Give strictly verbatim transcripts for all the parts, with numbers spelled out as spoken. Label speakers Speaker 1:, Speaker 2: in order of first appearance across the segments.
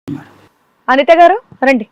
Speaker 1: అనిత గారు రండి.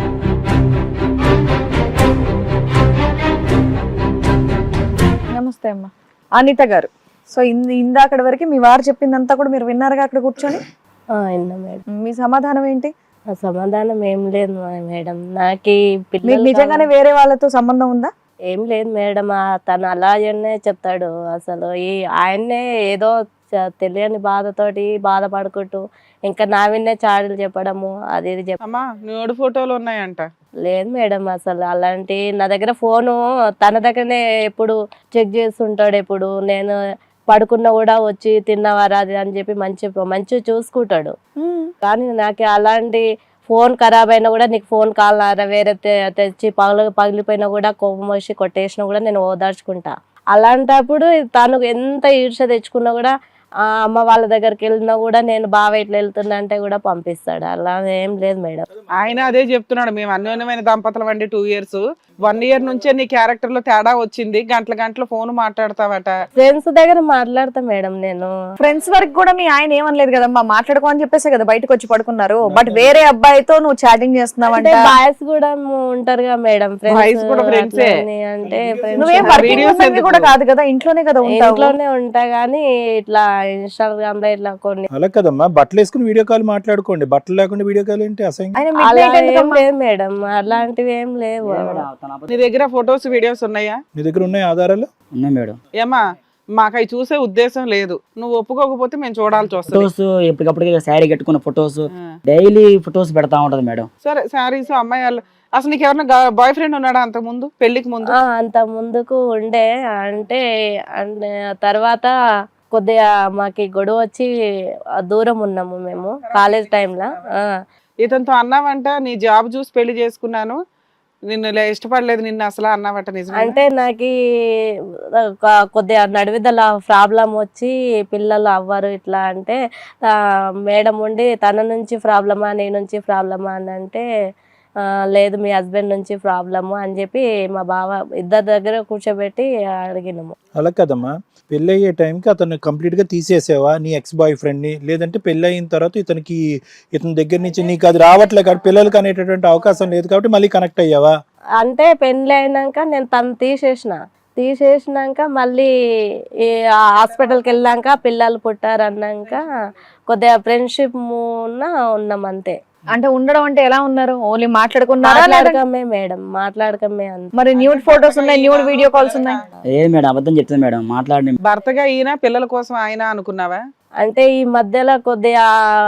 Speaker 1: నమస్తే అమ్మా. అనిత గారు, సో ఇందాకటి వరకు మీ వారు చెప్పిందంతా కూడా మీరు విన్నారుగా అక్కడ కూర్చొని?
Speaker 2: విన్నా మేడం.
Speaker 1: మీ సమాధానం ఏంటి?
Speaker 2: ఆ సమాధానం ఏం లేదు మేడం. నాకు
Speaker 1: మీకు నిజంగానే వేరే వాళ్ళతో సంబంధం ఉందా?
Speaker 2: ఏం లేదు మేడం. తను అలాగనే చెప్తాడు. అసలు ఈ ఆయన్నే ఏదో తెలియని బాధతోటి బాధపడుకుంటూ ఇంకా నా విన్నే చాడీలు చెప్పడము అది ఇది
Speaker 3: చెప్పమ్మా. న్యూడ్ ఫోటోలు ఉన్నాయంట.
Speaker 2: లేదు మేడం, అసలు అలాంటి నా దగ్గర ఫోను తన దగ్గరనే ఎప్పుడు చెక్ చేస్తుంటాడు. ఎప్పుడు నేను పడుకున్నా కూడా వచ్చి తిన్నవారా అది అని చెప్పి మంచి మంచి చూసుకుంటాడు. కానీ నాకు అలాంటి ఫోన్ ఖరాబ్ అయినా కూడా నీకు ఫోన్ కావాలరా వేరే తెచ్చి పగల పగిలిపోయినా కూడా కోపం వచ్చి కొట్టేసినా కూడా నేను ఓదార్చుకుంటా. అలాంటప్పుడు తను ఎంత ఈర్ష తెచ్చుకున్నా కూడా ఆ అమ్మ వాళ్ళ దగ్గరికి వెళ్ళినా కూడా నేను బావ ఇట్లా వెళ్తున్నా అంటే కూడా పంపిస్తాడు. అలా ఏం లేదు మేడం.
Speaker 3: ఆయన అదే చెప్తున్నాడు, మేము అన్యోన్యమైన దంపతులం అండి. టూ ఇయర్స్ వన్ ఇయర్ నుంచే నీ క్యారెక్టర్ లో తేడా వచ్చింది, గంటల గంటల ఫోన్ మాట్లాడతావట.
Speaker 2: ఫ్రెండ్స్ దగ్గర మాట్లాడతా మేడం నేను.
Speaker 1: ఫ్రెండ్స్ వరకు కూడా మీ ఆయన ఏమనలేదు కదమ్మా, మాట్లాడుకో అని చెప్పేసి కదా బయటకు వచ్చి పడుకున్నారు. బట్ వేరే అబ్బాయితో నువ్వు చాటింగ్ చేస్తున్నావు అంటే
Speaker 2: బాయ్స్ కూడా ఉంటారు కదా మేడం,
Speaker 3: బాయ్స్ కూడా ఫ్రెండ్స్
Speaker 2: అంటే
Speaker 1: నువ్వేం వర్కింగ్ కూడా కాదు కదా, ఇంట్లోనే కదా ఉంటావు.
Speaker 2: ఇంట్లోనే ఉంటా గానీ ఇట్లా ఇన్స్టాగ్రామ్ లో ఇట్లా కొన్ని
Speaker 4: అలా కదమ్మా, బట్టలు వేసుకుని వీడియో కాల్ మాట్లాడుకోండి. బట్టలు లేకుండా వీడియో కాల్ ఏంటి అసహ్యం?
Speaker 2: అలా ఏం లేదు మేడం, అలాంటివి ఏం లేవు.
Speaker 3: నీ దగ్గర ఫొటోస్ వీడియోస్ ఉన్నాయా?
Speaker 4: మీ దగ్గర ఉన్నాయి ఆధారాలు?
Speaker 5: ఉన్నాయి మేడం.
Speaker 3: ఏమా మాకు అవి చూసే ఉద్దేశం లేదు, నువ్వు ఒప్పుకోకపోతే మేము చూడాల్సి వస్తుంది.
Speaker 5: ఫొటోస్ ఎప్పటికప్పుడు శారీ కట్టుకున్న ఫొటోస్ డైలీ ఫొటోస్ పెడతా ఉంటది మేడం.
Speaker 3: సరే శారీస్ అమ్మాయి వాళ్ళు. అసలు నీకు ఎవరైనా బాయ్ ఫ్రెండ్ ఉన్నాడా అంత ముందు, పెళ్లికి ముందు?
Speaker 2: అంత ముందుకు ఉండే, అంటే అంటే తర్వాత కొద్దిగా మాకి గొడవ వచ్చి దూరం ఉన్నాము మేము కాలేజ్ టైంలో.
Speaker 3: ఇతనితో అన్నావంట నీ జాబ్ చూసి పెళ్లి చేసుకున్నాను, నిన్ను ఇష్టపడలేదు నిన్ను అసలు అన్నావట, నిజం?
Speaker 2: అంటే నాకు కొద్దిగా నడివిదల ప్రాబ్లం వచ్చి పిల్లలు అవ్వరు ఇట్లా అంటే మేడం ఉండి తన నుంచి ప్రాబ్లమా నీ నుంచి ప్రాబ్లమా అని అంటే లేదు మీ హస్బెండ్ నుంచి ప్రాబ్లము అని చెప్పి మా బావ ఇద్దరి దగ్గర కూర్చోబెట్టి అడిగినాము.
Speaker 4: అలా కదమ్మా, పెళ్ళి అయ్యే టైంకి అతను కంప్లీట్ గా తీసేసావా నీ ఎక్స్ బాయ్ ఫ్రెండ్ ని? లేదంటే పెళ్ళి అయిన తర్వాత ఇతనికి ఇతని దగ్గర నుంచి నీకు అది రావట్లే కాబట్టి పిల్లలకి అనేటటువంటి అవకాశం లేదు కాబట్టి మళ్ళీ కనెక్ట్ అయ్యావా?
Speaker 2: అంటే పెళ్ళి అయినాక నేను తను తీసేసిన తీసేసినాక మళ్ళీ ఈ హాస్పిటల్కి వెళ్ళాక పిల్లలు పుట్టారు అన్నాక కొద్దిగా ఫ్రెండ్షిప్ ఉన్నాం అంతే.
Speaker 1: అంటే ఉండడం అంటే ఎలా ఉన్నారు? ఓన్లీ మాట్లాడుకున్నారా?
Speaker 2: మాట్లాడకమే మేడం, మాట్లాడకమే.
Speaker 1: మరి న్యూడ్ ఫోటోస్ ఉన్నాయి, న్యూడ్ వీడియో కాల్స్ ఉన్నాయి.
Speaker 5: ఏ మేడం అబద్ధం చెప్తుంది మేడం, మాట్లాడి
Speaker 3: భర్తగా ఈయన పిల్లల కోసం ఆయన అనుకున్నావా?
Speaker 2: అంటే ఈ మధ్యలో కొద్దిగా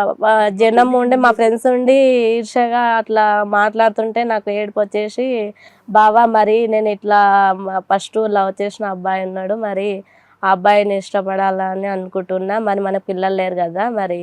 Speaker 2: జనం ఉండి మా ఫ్రెండ్స్ ఉండి ఈర్షగా అట్లా మాట్లాడుతుంటే నాకు ఏడుపు వచ్చేసి బావా మరి నేను ఇట్లా ఫస్ట్ లవ్ చేసిన అబ్బాయి ఉన్నాడు, మరి ఆ అబ్బాయిని ఇష్టపడాలని అనుకుంటున్నా, మరి మన పిల్లలు లేరు కదా, మరి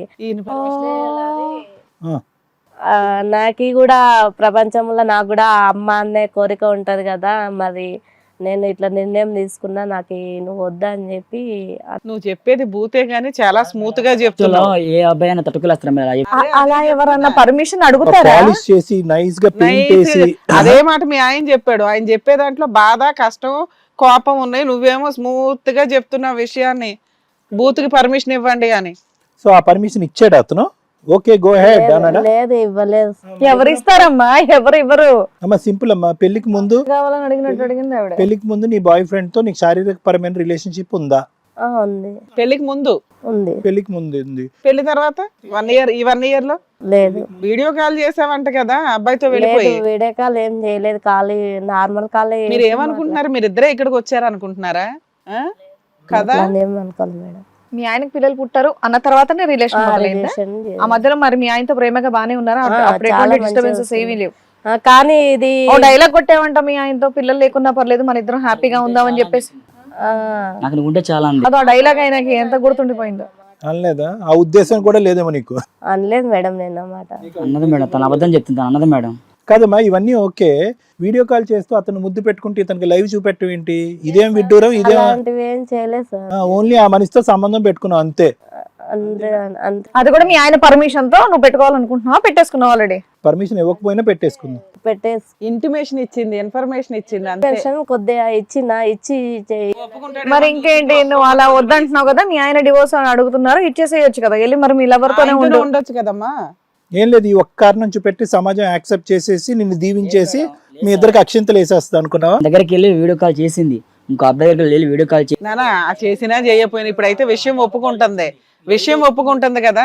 Speaker 2: నాకు కూడా ప్రపంచంలో నాకు కూడా అమ్మ అనే కోరిక ఉంటది కదా, మరి నేను ఇట్లా నిర్ణయం తీసుకున్నా, నాకు నువ్వు వద్దా అని చెప్పి.
Speaker 3: నువ్వు చెప్పేది భూతే గానీ చాలా స్మూత్ గా చెప్తున్నావు.
Speaker 5: ఏ అబ్బాయి అయినా తట్టుకులేస్తారు.
Speaker 1: అలా ఎవరన్నా పర్మిషన్ అడుగుతారా?
Speaker 4: చేసి నైస్ గా పెయింట్ చేసి
Speaker 3: అదే మాట మీ ఆయన చెప్పాడు. ఆయన చెప్పే దాంట్లో బాధ కష్టం కోపం ఉన్నాయి, నువ్వేమో స్మూత్ గా చెప్తున్న విషయాన్ని బూత్కి పర్మిషన్ ఇవ్వండి అని.
Speaker 4: సో ఆ పర్మిషన్ ఇచ్చాడు అతను? ఓకే గో హెడ్ అన్నాడా?
Speaker 2: లేదు, ఇవ్వలేదు.
Speaker 1: ఎవరు ఇస్తారమ్మా, ఎవరు ఇవ్వరు.
Speaker 4: అమ్మా సింపుల్ అమ్మా, పెళ్లికి ముందు
Speaker 1: కావాలని అడిగినట్టు అడిగింది ఆవిడ.
Speaker 4: పెళ్లికి ముందు నీ బాయ్ ఫ్రెండ్ తో నీకు శారీరక పరమైన రిలేషన్షిప్ ఉందా?
Speaker 2: ఉంది.
Speaker 3: పెళ్లికి ముందు
Speaker 2: ఉంది.
Speaker 4: పెళ్లికి ముందు ఉంది.
Speaker 3: పెళ్లి తర్వాత వన్ ఇయర్ ఈ వన్ ఇయర్ లో
Speaker 2: లేదు.
Speaker 3: వీడియో కాల్ చేసావంట కదా అబ్బాయితో వెళ్ళిపోయి?
Speaker 2: వీడియో కాల్ ఏం చేయలేదు, ఖాళీ నార్మల్ కాల్.
Speaker 3: మీరు ఏమనుకుంటున్నారు, మీరు ఇద్దరే ఇక్కడికి వచ్చారు అనుకుంటున్నారా కదా?
Speaker 2: ఏమనుకోలేదు మేడం.
Speaker 1: మీ ఆయనకి పిల్లలు పుట్టారు అన్న తర్వాతనే రిలేషన్ మొదలైందా? ఆ మధ్యలో మరి మీ ఆయనతో ప్రేమగా బానే ఉన్నారా? డిస్టర్బెన్సెస్ ఏమీ లేవు.
Speaker 2: కానీ ఇది
Speaker 1: డైలాగ్ కొట్టేవంట మీ ఆయనతో, పిల్లలు లేకున్నా పర్లేదు మన ఇద్దరం హ్యాపీగా ఉందామని చెప్పేసి.
Speaker 5: నాకు ఉంటే చాలా
Speaker 1: అదో డైలాగ్ ఆయనకి ఎంత గుర్తుండిపోయిందో.
Speaker 4: అనలేదా? ఆ ఉద్దేశం కూడా లేదేమో నీకు?
Speaker 2: అనలేదు మేడం నేను అన్నమాట.
Speaker 5: అన్నది మేడం, తన అబద్ధం చెప్తుంది అన్నది మేడం.
Speaker 4: కాదమ్మా ఇవన్నీ ఓకే, వీడియో కాల్ చేస్తూ అతను ముద్దు పెట్టుకుంటే ఇతనికి లైవ్ చూపెట్టడం ఏంటి? ఇదేం విడ్డూరం, ఇదేం
Speaker 2: ఏం చేయలేదు సార్.
Speaker 4: ఓన్లీ ఆ మనిషితో సంబంధం పెట్టుకున్నావు అంతే.
Speaker 1: అది కూడా మీ ఆయన పర్మిషన్ తో నువ్వు పెట్టుకోవాలనుకుంటున్నావా, పెట్టేసుకున్నావు ఆల్రెడీ?
Speaker 4: పర్మిషన్ ఇవ్వకపోయినా పెట్టేసుకుందాం.
Speaker 2: పెట్టేసి
Speaker 3: ఇంటిమేషన్ ఇచ్చింది, ఇన్ఫర్మేషన్ ఇచ్చింది అంతే.
Speaker 2: కొద్దిగా ఇచ్చిన ఇచ్చి
Speaker 1: మరి ఇంకేంటి, నువ్వు అలా వద్దంటున్నావు కదా, మీ ఆయన డివోర్స్ అని అడుగుతున్నారు, ఇచ్చేసేయచ్చు కదా వెళ్ళి, మరి మీ లవర్ తోనే ఉండొచ్చు
Speaker 3: ఉండొచ్చు కదమ్మా.
Speaker 4: ఏం లేదు, ఈ ఒక్క కారణం చూపెట్టి సమాజం యాక్సెప్ట్ చేసేసి నిన్ను దీవించేసి మీ ఇద్దరికి అక్షింతలు వేసేస్తా అనుకున్నావా?
Speaker 5: దగ్గరికి వెళ్ళి వీడియో కాల్ చేసింది, ఇంకో అబ్బాయి దగ్గరికి వెళ్ళి వీడియో కాల్ చేసి
Speaker 3: నానా చేసినా చేయకపోయినా ఇప్పుడైతే విషయం ఒప్పుకుంటుంది, విషయం ఒప్పుకుంటుంది కదా.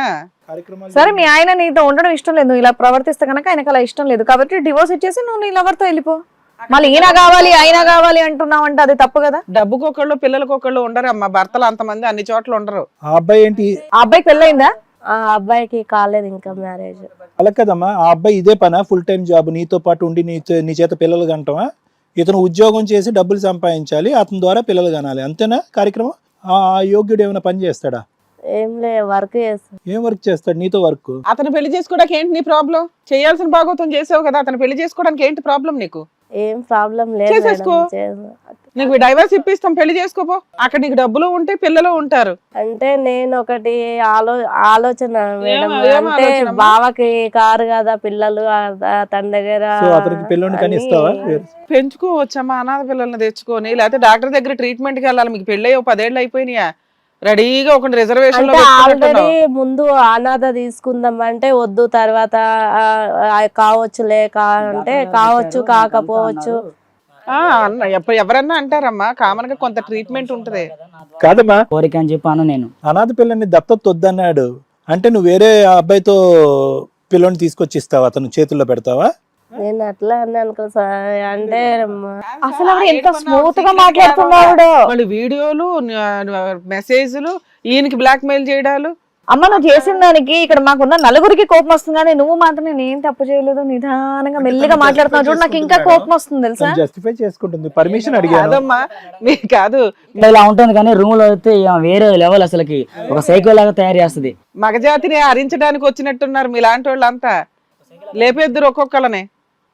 Speaker 1: సరే మీ ఆయన నీతో ఉండడం ఇష్టం లేదు, ఇలా ప్రవర్తిస్తే కనుక ఆయనకు అలా ఇష్టం లేదు కాబట్టి డివోర్స్ ఇచ్చేసి నువ్వు నీ లవర్తో వెళ్ళిపో. మళ్ళీ ఈయన కావాలి ఆయన కావాలి అంటున్నావు అంటే అది తప్పు కదా.
Speaker 3: డబ్బుకి ఒకళ్ళు పిల్లలకి ఒకళ్ళు ఉండరు అమ్మా, భర్తలు అంతమంది అన్ని చోట్ల ఉండరు.
Speaker 4: ఆ అబ్బాయి ఏంటి?
Speaker 1: ఆ అబ్బాయికి పెళ్ళయిందా?
Speaker 2: ఆ అబ్బాయికి కాలేదు ఇంకా మ్యారేజ్.
Speaker 4: అలా కదమ్మా, ఆ అబ్బాయి ఇదే పనా, ఫుల్ టైం జాబ్ నీతో పాటు ఉండి నీ నీ చేత పిల్లలు కంటవా? ఇతను ఉద్యోగం చేసి డబ్బులు సంపాదించాలి, అతని ద్వారా పిల్లలు కనాలి, అంతేనా కార్యక్రమం? ఆ యోగ్యుడు ఏమైనా పని చేస్తాడా?
Speaker 2: ఏం లే, వర్క్ చేస్తాను.
Speaker 4: ఏం వర్క్ చేస్తాడు నీతో వర్క్?
Speaker 3: అతను పెళ్లి చేసుకోవడానికి ఏంటి నీ ప్రాబ్లం? చేయాల్సిన భాగవతం చేసావు కదా, అతను పెళ్లి చేసుకోవడానికి ఏంటి ప్రాబ్లం నీకు?
Speaker 2: ఏం ప్రాబ్లం లేదు
Speaker 3: చేసేసుకో.
Speaker 2: మేడం, చేస్తా.
Speaker 3: నీకు డైవర్స్ ఇప్పిస్తాం, పెళ్లి చేసుకోపో, అక్కడ నీకు డబ్బులు ఉంటే పిల్లలు ఉంటారు.
Speaker 2: అంటే నేను ఒకటి ఆలో ఆలోచన మేడం,
Speaker 3: ఏం- ఏం
Speaker 2: అంటే
Speaker 3: ఆలోచన అమ్మా?
Speaker 2: బావకి కారు కదా పిల్లలు, ఆ- ఆ తన దగ్గర
Speaker 4: సో అతనికి పిల్లని కానీ ఇస్తావా?
Speaker 2: అని
Speaker 3: పెంచుకోవచ్చమ్మా అనాథ పిల్లల్ని తెచ్చుకొని, లేకపోతే డాక్టర్ దగ్గర ట్రీట్మెంట్ కి వెళ్ళాలి. మీకు పెళ్ళి అయ్యి పదేళ్ళు అయిపోయినాయా, రెడీగా ఒక రిజర్వేషన్ లో
Speaker 2: అంటే
Speaker 3: పెట్టుకున్నట్టున్నావు.
Speaker 2: ఆల్రెడీ ముందు అనాథ తీసుకుందాం అంటే వద్దు, తర్వాత ఆ, ఆ, కావచ్చులే కా అంటే కావచ్చు కాకపోవచ్చు.
Speaker 3: ఆ, అన్న ఎప్ప- ఎవరన్నా అంటారమ్మా, కామన్ గా కొంత ట్రీట్మెంట్ ఉంటది.
Speaker 4: కాదమ్మా,
Speaker 5: కోరిక అని చెప్పాను నేను.
Speaker 4: అనాథ పిల్లని దత్తత వద్దన్నాడు అంటే నువ్వు వేరే అబ్బాయితో పిల్లని తీసుకొచ్చి ఇస్తావా, అతను చేతుల్లో పెడతావా?
Speaker 2: నేను అట్లా అని అనుకో సార్, అంటే మ-
Speaker 1: అసలు ఆవిడ ఎంత స్మూత్ గా మాట్లాడుతున్నాడు.
Speaker 3: వాళ్ళు వీడియోలు మెసేజ్లు, ఈయనకి బ్లాక్ మెయిల్ చేయడాలు.
Speaker 1: అమ్మ నువ్వు చేసిన దానికి ఇక్కడ మాకున్న నలుగురికి కోపం వస్తుంది కానీ నువ్వు మాత్రం నేను తప్పు చేయలేదు, నిదానంగా మెల్లిగా మాట్లాడుతున్నావు చూడు, నాకు ఇంకా కోపం వస్తుంది తెలుసా.
Speaker 4: జస్టిఫై చేసుకుంటుంది, పర్మిషన్ అడిగాను.
Speaker 3: కాదమ్మా మీకు కాదు,
Speaker 5: ఇలా ఉంటుంది కానీ రూమ్ లో అయితే ఇక వేరే లెవెల్, అసలుకి ఒక సైకో లాగా తయారు చేస్తుంది.
Speaker 3: మగజాతిని హరించడానికి వచ్చినట్టున్నారు మీలాంటి వాళ్ళంతా, లేపేద్దరు ఒక్కొక్కళ్ళనే.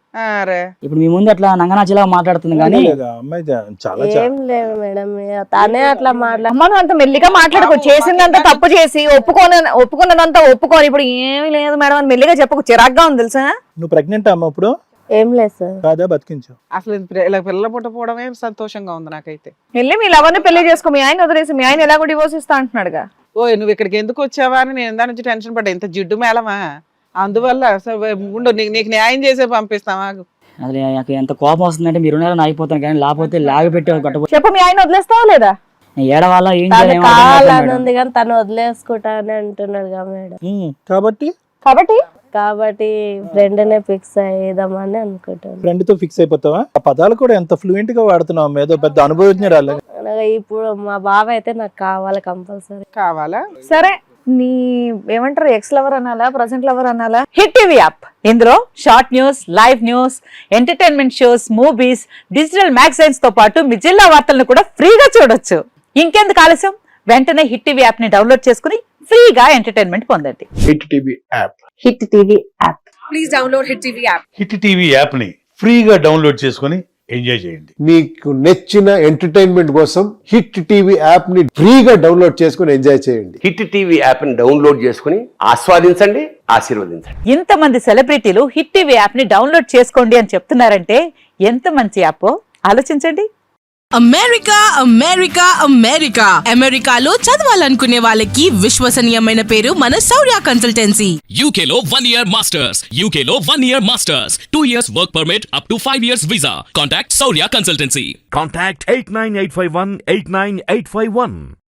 Speaker 3: అరే
Speaker 5: ఇప్పుడు మీ ముందు అట్లా నంగనాచిలా మాట్లాడుతుంది కానీ
Speaker 4: లేదా, అమ్మాయి చాలా చాలా
Speaker 2: ఏం లేదు మేడం, తనే అట్లా మాట్లా
Speaker 1: అమ్మ నువ్వు అంత మెల్లిగా మాట్లాడుకో, చేసిందంతా తప్పు చేసి ఒప్పుకోని ఒప్పుకున్నదంతా ఒప్పుకోని ఇప్పుడు ఏమీ లేదు మేడం అని మెల్లిగా చెప్పకు, చిరాగ్గా ఉంది తెలుసా.
Speaker 4: నువ్వు ప్రెగ్నెంట్ అమ్మ ఇప్పుడు?
Speaker 2: ఏం లేదు సార్.
Speaker 4: కాదా, బతికించు.
Speaker 3: అసలు ఇది ఇలా పిల్లల పుట్టపోవడమే సంతోషంగా ఉంది నాకైతే.
Speaker 1: వెళ్ళి మీ లవర్ని పెళ్లి చేసుకో, మీ ఆయన వదిలేసి మీ ఆయన ఎలాగో డివోర్స్ ఇస్తా అంటున్నాడుగా.
Speaker 3: ఓ నువ్వు ఇక్కడికి ఎందుకు వచ్చావా అని నేను దాని నుంచి టెన్షన్ పడ్డా, ఇంత జిడ్డు మేళమా, అందువల్ల అసలు ఉండు నీకు నీకు న్యాయం చేసే పంపిస్తావా.
Speaker 5: అసలు నాకు ఎంత కోపం వస్తుందంటే మీరు ఉన్నారని ఆగిపోతాను కానీ లేకపోతే లాగి పెట్టి కట్టబోతే
Speaker 1: చెప్పు మీ ఆయన వదిలేస్తావా లేదా?
Speaker 5: ఏడవాళ్ళ ఏం
Speaker 2: తను
Speaker 5: చేయాలి
Speaker 2: కావాలని ఉంది కానీ తను వదిలేసుకుంటా అని అంటున్నాడు కదా మేడం.
Speaker 4: ఉమ్, కాబట్టి
Speaker 1: కాబట్టి
Speaker 2: కాబట్టి ఫ్రెండ్ నే ఫిక్స్ అయ్యేదామని అనుకుంటాను.
Speaker 4: ఫ్రెండ్ తో ఫిక్స్ అయిపోతావా? ఆ పదాలు కూడా ఎంత ఫ్లూయెంట్ గా వాడుతున్నావు, ఏదో పెద్ద అనుభవజ్ఞరాలు.
Speaker 2: అలాగే ఇప్పుడు మా బావ అయితే నాకు కావాలి కంపల్సరీ.
Speaker 3: కావాలా?
Speaker 1: సరే నీ ఏమంటారు ఎక్స్ లవర్ అనాలా ప్రజెంట్ లవర్ అనాలా?
Speaker 6: హిట్ టీవీ యాప్ ఇందులో short news, live news, entertainment shows, movies, digital magazines తో పాటు మీ జిల్లా వార్తలను కూడా ఫ్రీగా చూడొచ్చు. ఇంకెందుకు ఆలస్యం, వెంటనే హిట్ టీవీ యాప్ ని డౌన్లోడ్ చేసుకుని ఫ్రీగా ఎంటర్టైన్మెంట్ పొందండి.
Speaker 7: Hit TV app
Speaker 6: hit TV app.
Speaker 1: Please download hit TV app.
Speaker 7: Hit TV app ని ఫ్రీగా డౌన్లోడ్ చేసుకొని ఎంజాయ్ చేయండి.
Speaker 8: మీకు నచ్చిన ఎంటర్టైన్మెంట్ కోసం హిట్ టీవీ యాప్ ని ఫ్రీగా డౌన్లోడ్ చేసుకుని ఎంజాయ్ చేయండి.
Speaker 9: హిట్ టీవీ యాప్ ని డౌన్లోడ్ చేసుకుని ఆస్వాదించండి, ఆశీర్వదించండి.
Speaker 6: ఇంతమంది సెలబ్రిటీలు హిట్ టీవీ యాప్ ని డౌన్లోడ్ చేసుకోండి అని చెప్తున్నారంటే ఎంత మంచి యాప్ ఆలోచించండి.
Speaker 10: అమెరికా అమెరికా అమెరికా అమెరికాలో చదవాలనుకునే వాళ్ళకి విశ్వసనీయమైన పేరు మన శౌర్య కన్సల్టెన్సీ.
Speaker 11: యూకేలో వన్ ఇయర్ మాస్టర్స్ యూకేలో one year masters two years work permit up to five years visa. Contact Shaurya consultancy.
Speaker 12: Contact eight nine eight five one eight nine eight five one.